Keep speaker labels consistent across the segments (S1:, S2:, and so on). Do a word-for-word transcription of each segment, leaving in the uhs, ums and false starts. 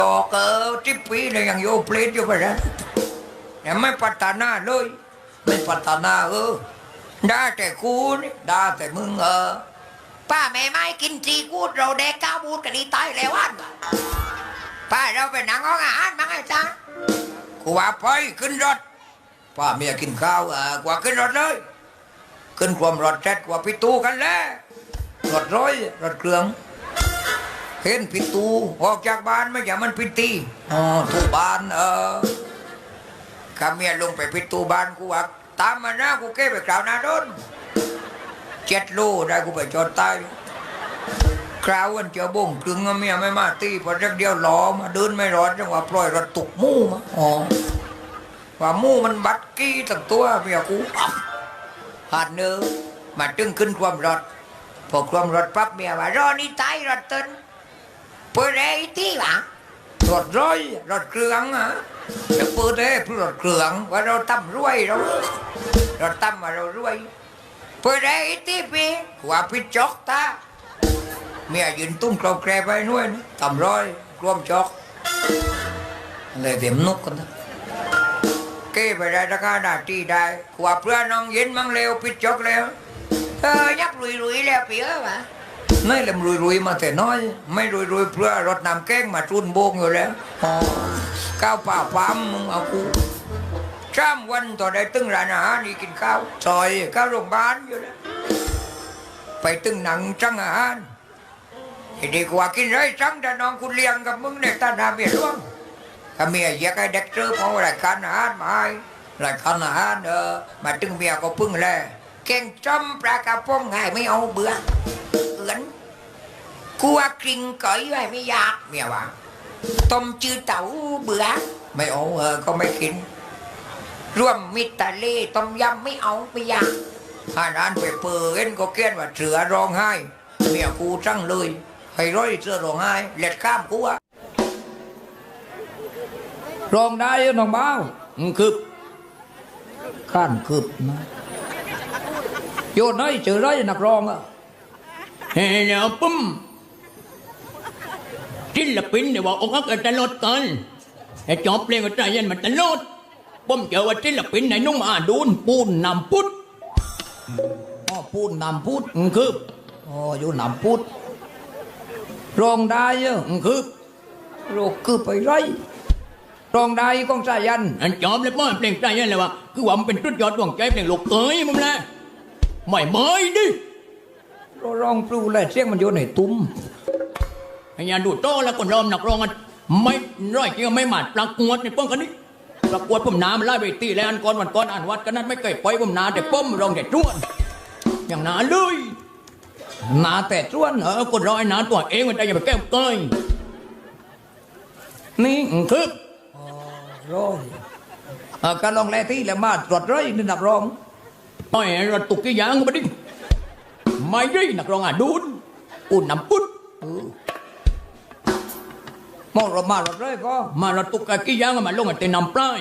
S1: ออกเออทิปปีเลยยังโยเพลทอยู่ไปแล้วแต่ไม่พัฒนาเลยไม่พัฒนาเออได้แต่กูนี่ได้แต่มึงเออป้าแม่ไม่กินจีกูดเราแดกก้าวบูดกันดีตายแล้วอันป้าเราไปนั่งห้องอาหารมั้งไอ้จ้ากูว่าไปขึ้นรถป้าเมียกินข้าวเออกว่าขึ้นรถเลยขึ้นความรถแจ็ดกว่าพิตูกันแล้วรถร้อยรถเครื่องเห็นพิตูออกจากบ้านไม่อย่ามันพิตีอ๋อทูบ้านเออข้าเมียลงไปพิตูบ้านกูว่าตามมานะกูเก็บไปกล่าวนาโดนเจ็ดโลได้กูไปจอดตายคราววันเจ้าบงกลึงเมียไม่มาตีพอเรียกเดียวล้อมาเดินไม่รอดจังหวะปล่อยรถตุกมู่มาอ๋อว่ามู่มันบัดกี้ตั้งตัวเมียกูหาดเนื้อมาตึงขึ้นความรถพอความรถปั๊บเมียว่ารอนี่ตายรถเต้นเปิดได้ที่หลังรถร้อยรถเครื่องอ่ะจะเปิดได้เพื่อรถเครื่องว่าเราตั้มรวยเราเราตั้มว่าเรารวยเปิดได้ที่ปีว่าพิจกตาเมียยืนตุ้มกรอบแกรไปนู่นตั้มร้อยรวมจกเลยเดี๋ยวนุกกันนะเก้ไปได้ราคาหน้าที่ได้ขวาเพื่อนน้องเย็นมั่งเร็วพิจกแล้วเออยักลุยๆแล้วเปี๋อวะนี่แหละลุยๆมาแต่น้อยไม่ลุยๆเพื่อรถนำแก้งมาจุนโบงอยู่แล้วอ๋อข้าวป่าปั๊มมึงเอากูจ้ามวันต่อได้ตึ้งร้านอาหารนี่กินข้าวซอยข้าวโรงพยาบาลอยู่แล้วไปตึ้งหนังจังอาหารดีกว่ากินไรจังแต่น้องคุณเลี้ยงกับมึงเนี่ยตาหน้าเมียร่วงถ้าเมียอยากให้เด็กเจอพอรายการอาหารมาให้รายการอาหารเออมาตึ้งเมียก็พึ่งแลแกงจ้อมปลากระป๋องไงไม่เอาเบื่อเอือนกลัวกริ่งก๋อยไว้ไม่อยากเมียว่าต้มจืดเต่าเบื่อไม่เอาเออก็ไม่กินร่วมมิตรทะเลต้มยำไม่เอาไม่อยากอาหารไปเปิดเอ็นก็เกี้ยนว่าเสือร้องไห้เมียกูจังเลยให้ร้อยเสือร้องไห้เล็ดข้ามกูอะร้องได้น้องเบ้าคืบข้านคืบนะโยนน้อยเจอร้อยนักร้องอะ
S2: เฮ้ยแล้วปุ๊มศิลปินเนี่ยว่าอกอักกันตลอดกันไอ้จอบเพลงก็ใจเย็นมันตลอดปุ๊มเจอว่าศิลปินไหนนุ่งอาดูนปูนนำพุทธ
S1: อ๋อพูดนำพูด
S2: คือ
S1: อ๋ออยู่นำพูดร้องได้เยอะ
S2: คือ
S1: โรคคือไปไรร้องได้กองสายัน
S2: อันจอบเลยป้อนเพลงใจเย็นเลยว่าคือว่ามันเป็นตุดยอดดวงใจเพลงลูกเตยมึงแหละไม่เมยดิ
S1: ร้องปลูเลยเสียงมันโยนในตุ้ม
S2: ไอ้ยาดูโตแล้วคนร้องนักร้องกันไม่ร้อยจริงไม่หมาดประกวดในป้องกันนี้ประกวดผมน้ำไล่ไปตีแล้วอันก่อนวันก่อนอ่านวัดกันนั้นไม่เคยปล่อยผมน้ำแต่ป้อมร้องแต่จ้วนอย่างน้าเลย
S1: น้าแต่จ้วน
S2: เออคนร้อยน้าตัวเองมันจะอย่าไปแก้วเกย
S1: นี่
S2: คือ
S1: ร้องการลองแร่ที่แล้วมาตรวจร้อยนี่นับร้อง
S2: ไอ้รถตุกกี่ยางมาดิไม่ได้นักร้องอ่ะดูนอุ่นน้ำปุ้น
S1: มองรถมารถเลยก็
S2: มารถตุกกี่ยางมาลงอ่ะเต็นน้ำปลาย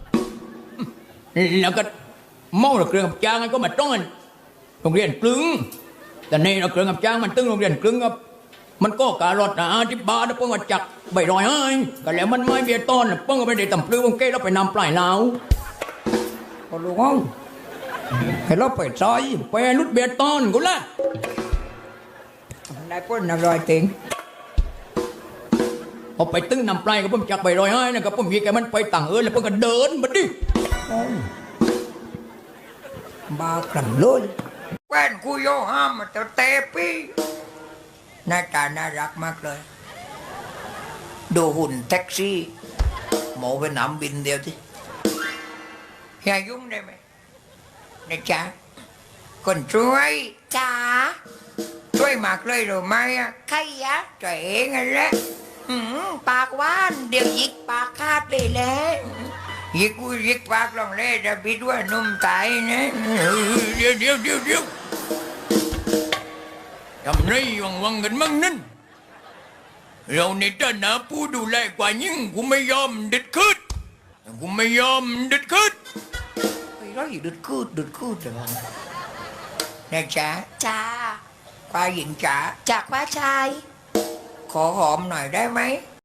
S2: แล้วก็มองรถเครื่องกับจางก็มาต้อนโรงเรียนกลึงแต่ในรถเครื่องกับจางมันตึงโรงเรียนกลึงครับมันก็การถนะที่บ้านเพิ่งมาจักใบรอยให้ก็แล้วมันไม่เบียต้นเพิ่งก็ไม่ได้ตำปลื้มเก้แล้วไปนำปลายเหลา
S1: ก็รู้ง้องให้เราไปซอย
S2: ไปรุดเบียต้นกูละ
S1: นายพ้นนารอยติง
S2: พอไปตึ้งนำปลายก็เพิ่งจักใบรอยให้นะก็เพิ่งมีแกมันไปต่างเออแล้วเพิ่งก็เดินมาดิ
S1: บ้ากันเลยแว่นกูโยห้ามแต่เตปีหน้าตาน่ารักมากเลยดูหุ่นแท็กซี่หมอไปนำบินเดียวที่อย่ายุ่งได้ไหมนะจ๊ะคนช่วยจ๋าช่วยมากเลยหรือไม่อะใครอะตัวเองนั่นแหละปากว่านเดี๋ยวยิกปากคาดไปแล้วยิกกูยิกปากลองเล่จะบิดว่านุ่มตายนะ
S2: เดี๋ยวเดี๋ยวเดี๋ยวเดี๋ยวทำไรวังวังกันมั่งนั่นเราในฐานะผู้ดูแลกว่ายิ่งกูไม่ยอมเด็ดคืดกูไม่ยอมเด็ดคืด
S1: ไอ้ร้อยเด็ดคืดเด็ดคืดแต่ว่านะจ๊ะจ้าควายหญิงจ๋าจากว่าชายขอหอมหน่อยได้ไหม